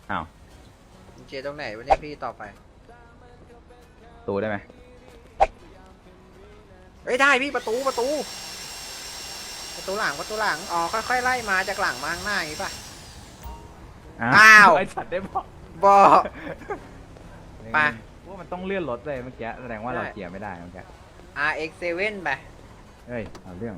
อ้าวเจตรงไหนวะเนี่ยพี่ต่อไปตูได้ไหมเฮ้ยได้พี่ประตูหลังอ๋อค่อยๆไล่มาจากหลังมาข้างหน้าอย่างงี้ป่ะ อ้าวไอสัตว์ได้บอกบอก ไปว่ามันต้องเลื่อนรถเลยเมื่อกี้แสดงว่าเราได้เกียร์ไม่ได้เมื่อกี้ RX7 ไปเฮ้ยเอาเรื่อง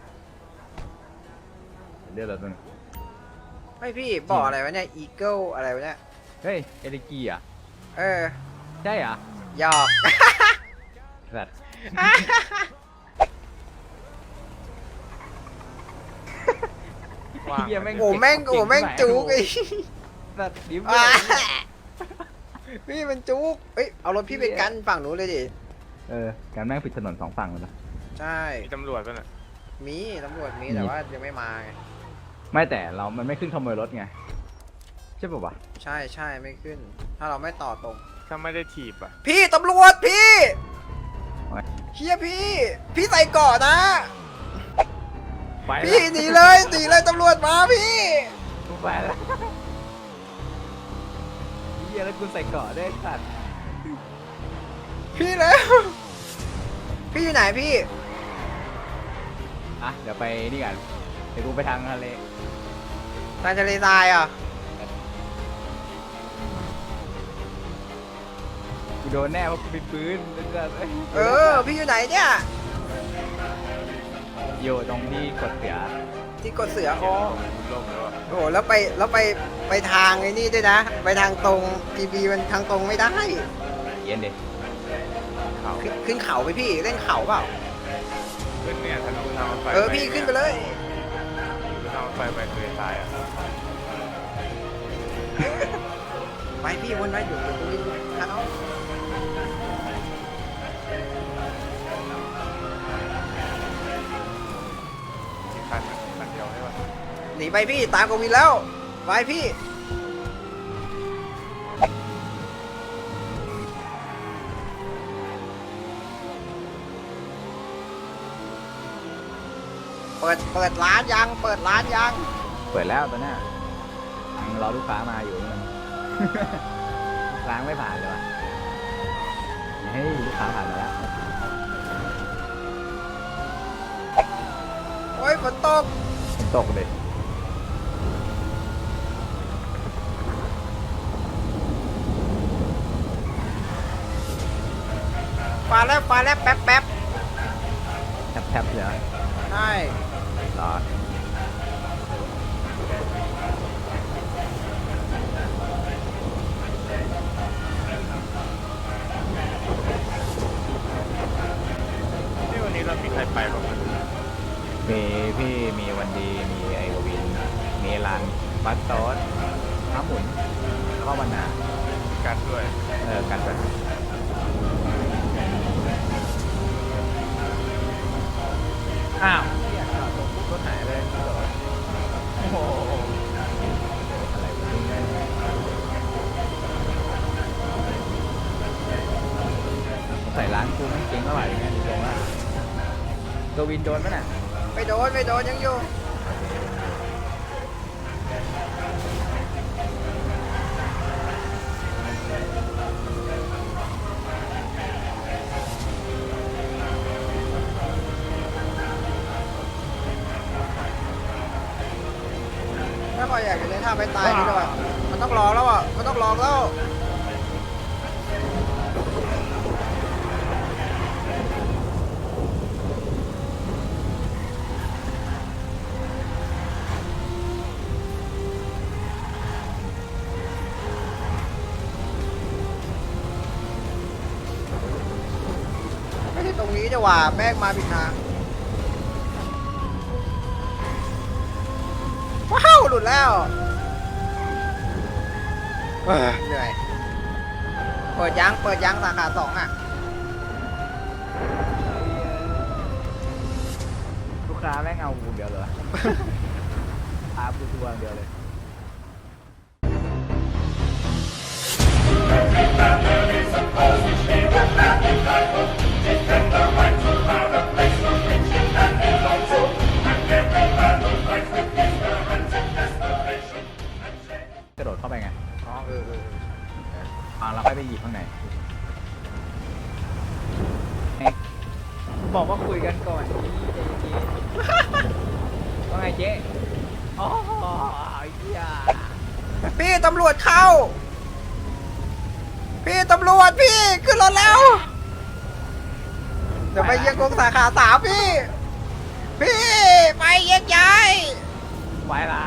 เลื่อนรถมันไม่พี่บอกอะไรวะเนี่ย Eagle อะไรวะเนี่ยเฮ้ยเอลิกีอ่ะเออใช่เหรอหยอกสัตว์เหี้ยโอ้แม่งจุกไอ้สัตว์ดิฟอ่าพี่มันจุกเอ้ยเอารถพี่ไปกันฝั่งนู้นเลยดิการแม่งปิดถนนสองฝั่งเลยนะใช่มีตำรวจป่ะน่ะมีตำรวจมีแต่ว่ายังไม่มาไงไม่แต่มันไม่ขึ้นขโมยรถไงใช่ป่าววะใช่ไม่ขึ้น ถ้าเราไม่ต่อตรงถ้าไม่ได้ถีบอ่ะพี่ตำรวจพี่เฮียพี่ใส่เกาะนะไปละพี่หนีเลยตำรวจมาพี่ไปแล้วเฮียแล้วกูใส่เกราะได้วยสัตว์พี่แล้ว พี่อยู่ไหนพี่อ่ะเดี๋ยวไปนี่กันเดี๋ยวกูไปทางทะเลทางทะเลทรายอ่ะกูโดนแน่เพราะกูมีปืนเออพี่อยู่ไหนเนี่ยอยู่ตรงที่กดเสียที่กดเสืออ๋อลงแล้วอะโอ้โหแล้วไปทางไอ้นี่ด้วยนะ ไปทางตรง GB มันทางตรงไม่ได้เย็นดิเขาขึ้นเขาไปพี่เล่นเขาเปล่าขึ้นเนี่ยทะลุทางรถไฟพี่ขึ้นไปเลยทางรถไฟไปทะเลทรายอ่ะไปพี่วนไว้อยู่ตรงนี้เขามีคันเดียวใช่ป่ะหนีไปพี่ตามกวินแล้วไปพี่เปิดร้านยังเปิดร้านยังเปิดแล้วตอนเนี้ยยังรอลูกค้ามาอยู่มัน ลูกค้าไม่ผ่านเลยวะเฮ้ยลูกค้าผ่านมาแล้วโอ้ยฝนตกตกเลยฟ้าแลบแป๊บแทบๆเลยเหรอใช่รอที่วันนี้เรามีใครไปบ้างมีพี่มีวันดีมีไอกวินมีรันบัสโต๊ดม้าหมุนแล้วก็วันนากันด้วยกันไปอ้าวเรียกจอดตรงปุ๊บรถหายเลยโอ้โหอะไรวะเนี่ยใส่ร้านกูไม่เก่งเท่าไหร่เนี่ยดูตรงว่ากวินโดนไหมน่ะไม่โดนยังอยู่ถ้าพออยากจะเล่นท่าไปตายนี่แล้วอ่ะมันต้องลองแล้วอ่ะมันต้องลองแล้วไม่ใช่ตรงนี้จะว่าแม่งมาผิดทางว้าวหลุดแล้วเหนื่อยเปิดยังสาขา2อ่ะลูกค้าแม่งเอากูเดียวเลยพากูทัวร์เดียวเลย กระโดดเข้าไปไงอ๋อเอเราค่อยไปหยิบข้างในบอกว่าคุยกันก่อนว่าไงเจ๊อ๋อเหี้ยพี่ตำรวจเข้า พี่ตำรวจพี่ขึ้นรถแล้ว เดี๋ยวไปเยี่ยงกงสาขา3พี่ พี่ไปแยกย้ายไปละ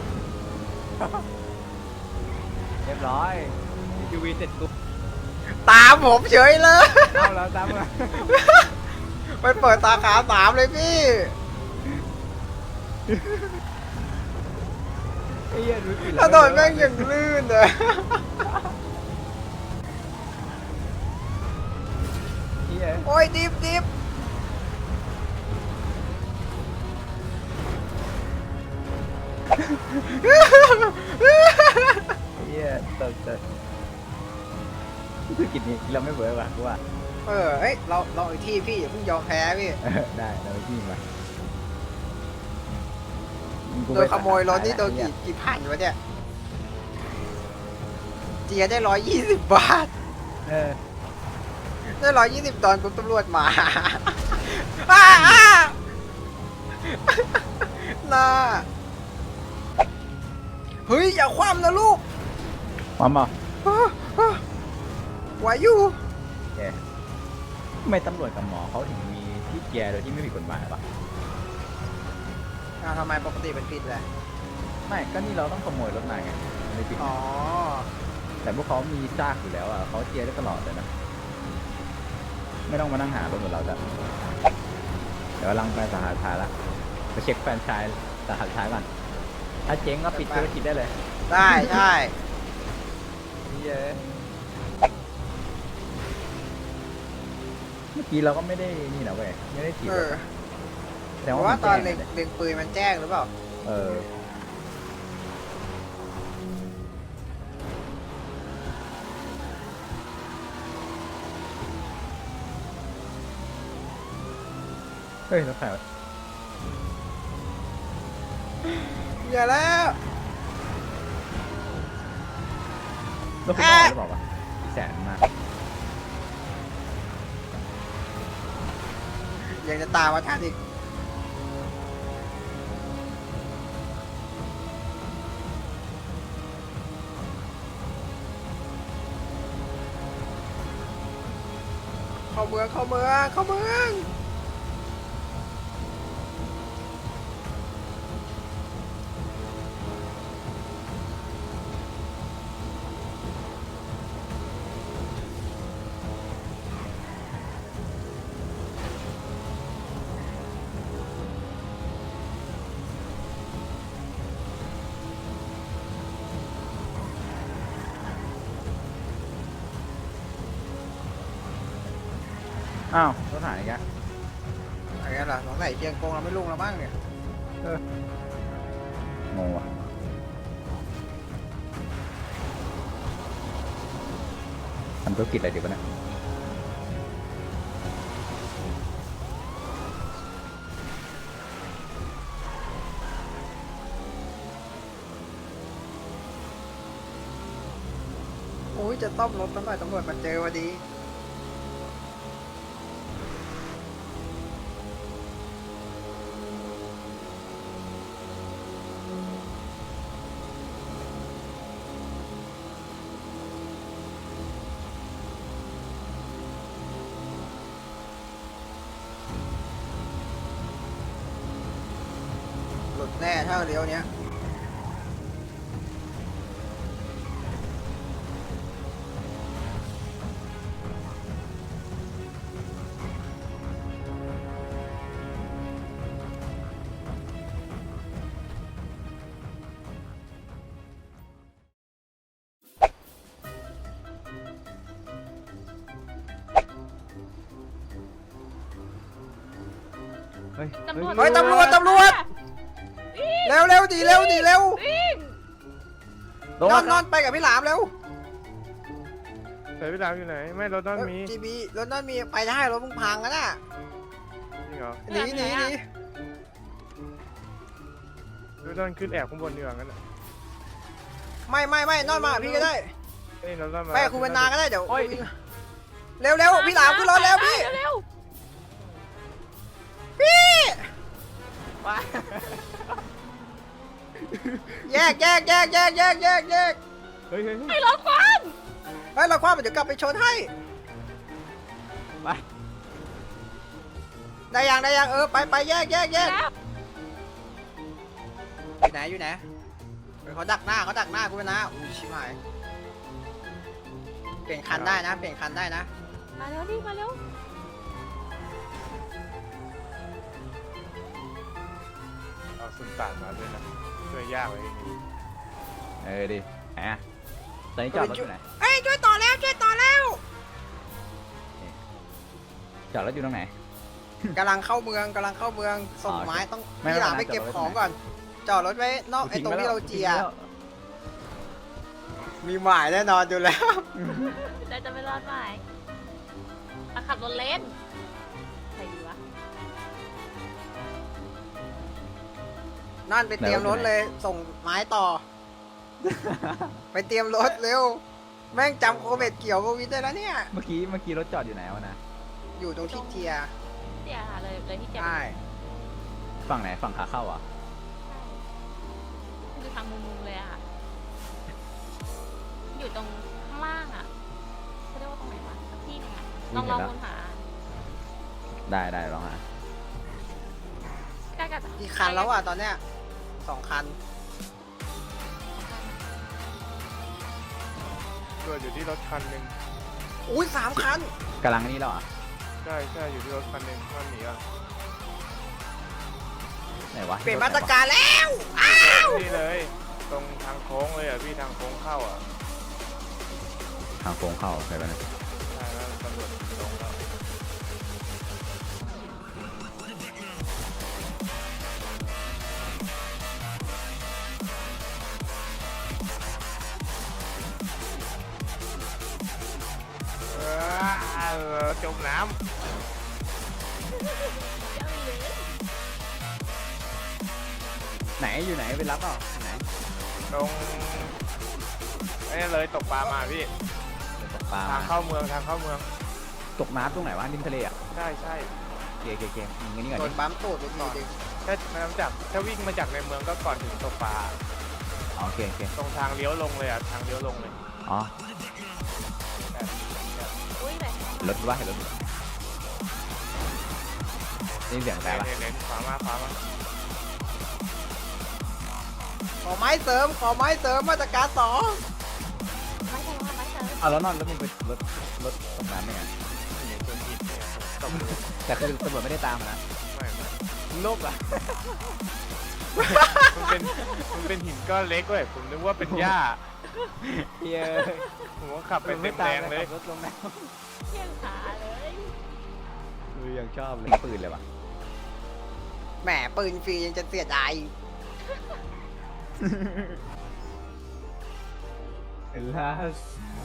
เรียบร้อยยูวีเสร็จปุ๊บตามผมเฉยเลยเอาแล้วตามมาไปเปิดสาขา3เลยพี่ไอ้เหี้ยดูสิถนนแม่งอย่างลื่นเลยเหี้ยโอ้ยดิบเหี้ยตกธุรกิจนี้เราไม่เบื่อว่ะกูว่าเฮ้ยเราอีกที่พี่อย่าเพิ่งยอมแพ้พี่ได้เราไปที่มากูโดไปนขโมยรถนี่โดนกี่พันวะเนี่ยเจียได้120 บาทเออได้120 ตอนปุ๊บตำรวจมา น่าเฮ้ย อย่าคว่ำนะลูกมามาไหวอยู่แกทำไมตำรวจกับหมอเขาถึงมีที่แกโดยที่ไม่ผิดกฎหมายปะทำไมปกติเป็นผิดแหละไม่ก็นี่เราต้องขโมยรถมาไงไม่ผิดอ๋อแต่พวกเขามีซากอยู่แล้วอ่ะเขาเจียได้ตลอดเลยนะไม่ต้องมานั่งหารถเหมือนเราจ้ะเดี๋ยวกำลังไปสาขาท้ายละไปเช็คแฟรนไชส์สาขาท้ายก่อนถ้าเจ๊งก็ปิดธุรกิจได้เลยได้ใช่เย้เมื่อกี้เราก็ไม่ได้นี่นะเว้ยไม่ได้ถีบเอรอถแต่เพว่าราะว่ามันตอนแจ้งเล็งปืนมันแจ้งหรือเปล่าเออเฮ้ยรถไฟวะอย่าแล้วรถคุณพ่อหรือเปล่าวะพี่แสนมากยังจะตามมาทันอีกเข้าเมืองอ้าวรถหายอีกแล้วอะไรกันล่ะสงสัยเชียงกงเราไม่ลุ่งแล้วมั้งเนี่ยงงว่ะทำธุรกิจอะไรดีวะเนี่ยโอ้ยจะต้อมรถตำรวจมาเจอพอดีหลุดแน่ถ้าเลี้ยวเนี้ยเฮ้ยตำรวจเฮ้ยตำรวจเร็วดีเร็ววิ่งโดนอนไปกับพี่หลามเร็วแต่พี่ดาวอยู่ไหน ไม่รถต้องมีจีบีรถนั่นมีไปได้รถมึงพังกันน่ะจริงเหรอหนีรถต้องขึ้นแอบข้างบนดีกว่างั้นอะไม่นอนมากับพี่ก็ได้เฮ้ยรถต้นมาไปกับคุณเป็นนาก็ได้เดี๋ยวโอ้ยเร็วๆพี่หลามขึ้นรถแล้วพี่เร็วพี่ว้าแยกเฮ้ยเฮ้ยๆให้รถควันเราคว้าเดี๋ยวกลับไปชนให้ไปได้ยังไปแยกแล้วอยู่ไหนเขาดักหน้ากูเป็นนาอุ้ยชิบหายเปลี่ยนคันได้นะมาเร็วดิมาเร็วเอาสุนตานมาด้วยนะช่วยยากเลยดิไหนอะตอนนี้จอดรถอยู่ไหนเอ้ยช่วยต่อแล้วจอดรถอยู่ตรงไหนกำลังเข้าเมืองส่งไม้ต้องไม่พี่หลามไม่ไปเก็บจอดรถของก่อนจอดรถไว้นอกไอ้ตรงที่เราเจียมีหมายแน่นอนอยู่แล้วแต่จะไม่รอดไหมอ่ะขับรถเล่นใครดีวะนั่นไปเตรียมรถเลยส่งไม้ต่อ ไปเตรียมรถเร็ว แม่งจำโควิดเกี่ยวโควิดได้แล้วเนี่ยเมื่อกี้รถจอดอยู่ไหนวะนะอยู่ตรงที่เจียเสียหาเลยที่จะใช่ฝั่งไหนฝั่งขาเข้าอ่ะคือทางมุมๆเลยอะค่ะอยู่ตรงข้างล่างอะเขาเรียกว่าตรงไหนวะสักที่หนึงอะลองวนหาได้ลองหาใกล้กับกี่คันแล้วอ่ะตอนเนี้ย2 คันตัวอยู่ที่รถคันหนึ่งอุ้ย3 คันกำลังนี่แล้วอ่ะใช่อยู่ที่รถคันหนึ่งมันหนีอ่ะไหนวะเปลี่ยนมาตรการแล้วนี่เลย ตรงทางโค้งเลยอ่ะพี่ทางโค้งเข้าอ่ะทางโค้งเข้าใช่ไหมนะใช่แล้วตำรวจลงแล้วจมน้ไหนอยู่ไหนไปรับเปล่าไหนำตรงนี่เลยตกปลามาพี่เดี๋ยวตกปลาทางเข้าเมืองทางเข้าเมืองตกน้ำตรงไหนวะริมทะเลอ่ะใช่เก๋งั้นนี่ก่อนโดดินปั๊มตูดไปทีนึงถ้าวิ่งมาจากในเมืองก็ก่อนถึงตกปลาอ๋อโอเคตรงทางเลี้ยวลงเลยอ่ะทางเลี้ยวลงเลยอ๋ออุ้ยแบบรถว่าเห็นรถนี่เสียงแต่ปะเน้นขวามาขอไม้เสริมมาตรการ2 ไม่ใช่ว่าไม่ใช่เอาแล้วนอนรถมันไปรถตกน้ำได้ไงเห็นคนผิดเนี่ยตบแต่คือตำรวจไม่ได้ตามนะไม่โลกอ่ะมันเป็นหินก้อนเล็กเว้ยผมนึกว่าเป็นหญ้าเฮ้ยผมก็ขับไปเต็มแรงเลยรถลงน้เที่ยงขาเลยำยังชอบเลยปืนเลยว่ะแหมปืนฟรียังจะเสียดายลาส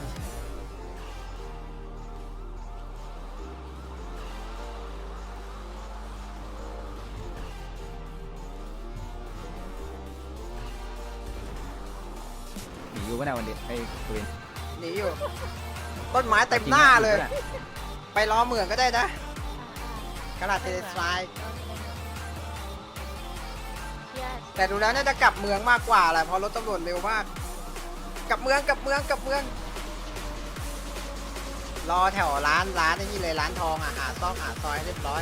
หนีอยู่ปะเนี่ยวันนี้ไอ้ปืนหนีอยู่ ต้นไม้เต็มหน้าเลย ไปล้อเมืองก็ได้นะกระดาษเทเลสไลด์เที่ยแต่ดูแล้วน่าจะกลับเมืองมากกว่าแหละเพราะรถตำรวจเร็วมาก กลับเมืองรอแถวร้านไอ้นี่เลยร้านทองอ่ะหาซอยเรียบร้อย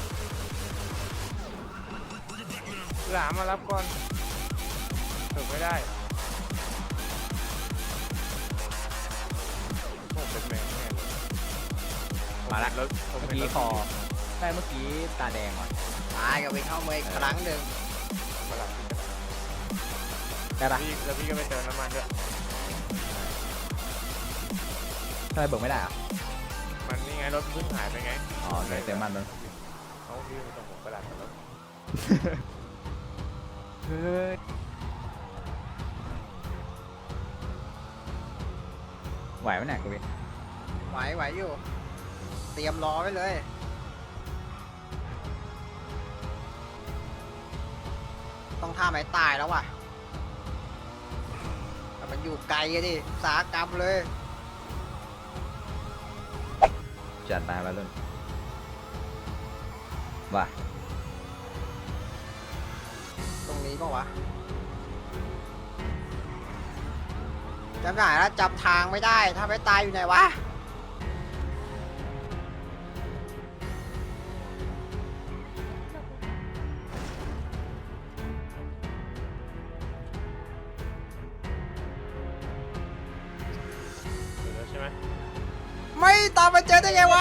หลามมารับก่อนถึงไม่ได้ผมเป็นแมงแน่เลยมาละรถผมเมื่อเป็นกี้รถคอได้เมื่อกี้ตาแดงว่ะตายกับไปเข้าเมืองอีกครั้งหนึ่งมาหลับได้ปะแล้วพี่ก็ไปเติมน้ำมันด้วยทำไมเบิกไม่ได้อ่ะมันนี่ไงรถเพิ่งหายไปไงอ๋อเลยเต็มมันเลยเขาพี่ไปส่งผมกระดาษแล้วเฮ้ยไหวไหมเนี่ยกูวินไหวอยู่ เตรียมรอไว้เลย ต้องท่าไม้ตายแล้วว่ะแต่มันมันอยู่ไกลอะดิอุตสาหกรรมเลยจัดมาแล้วรุ่นว่าตรงนี้ปะวะจำได้แล้วจำทางไม่ได้ ถ้าไม่ตายอยู่ไหนวะเดี๋ยวใช่ไหมไม่ตามไปเจอได้ไงวะ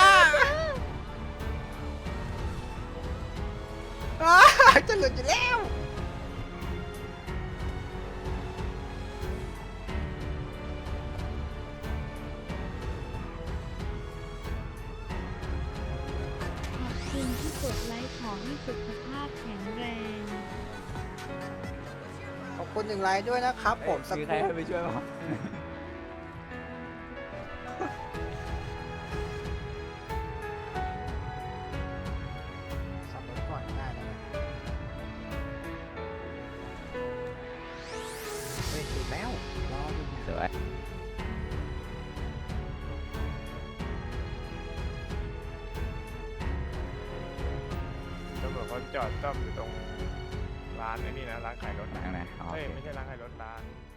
อ้าจะหลุดอยู่แล้วขอบคุณที่กดไลค์ขอให้สุขภาพแข็งแรงขอบคุณ1 ไลค์ด้วยนะครับผมสักมีคใครรู่ให้ไปช่วยมั้งสับรถก่อนได้นะเฮ้ยถึงแล้วรออยู่สวยตำรวจเขาจอดซ่อมอยู่ตรงร้านไอ้นี่นะร้านขายรถทางไหนอ๋อเฮ้ยโอเคไม่ใช่ร้านขายรถร้าน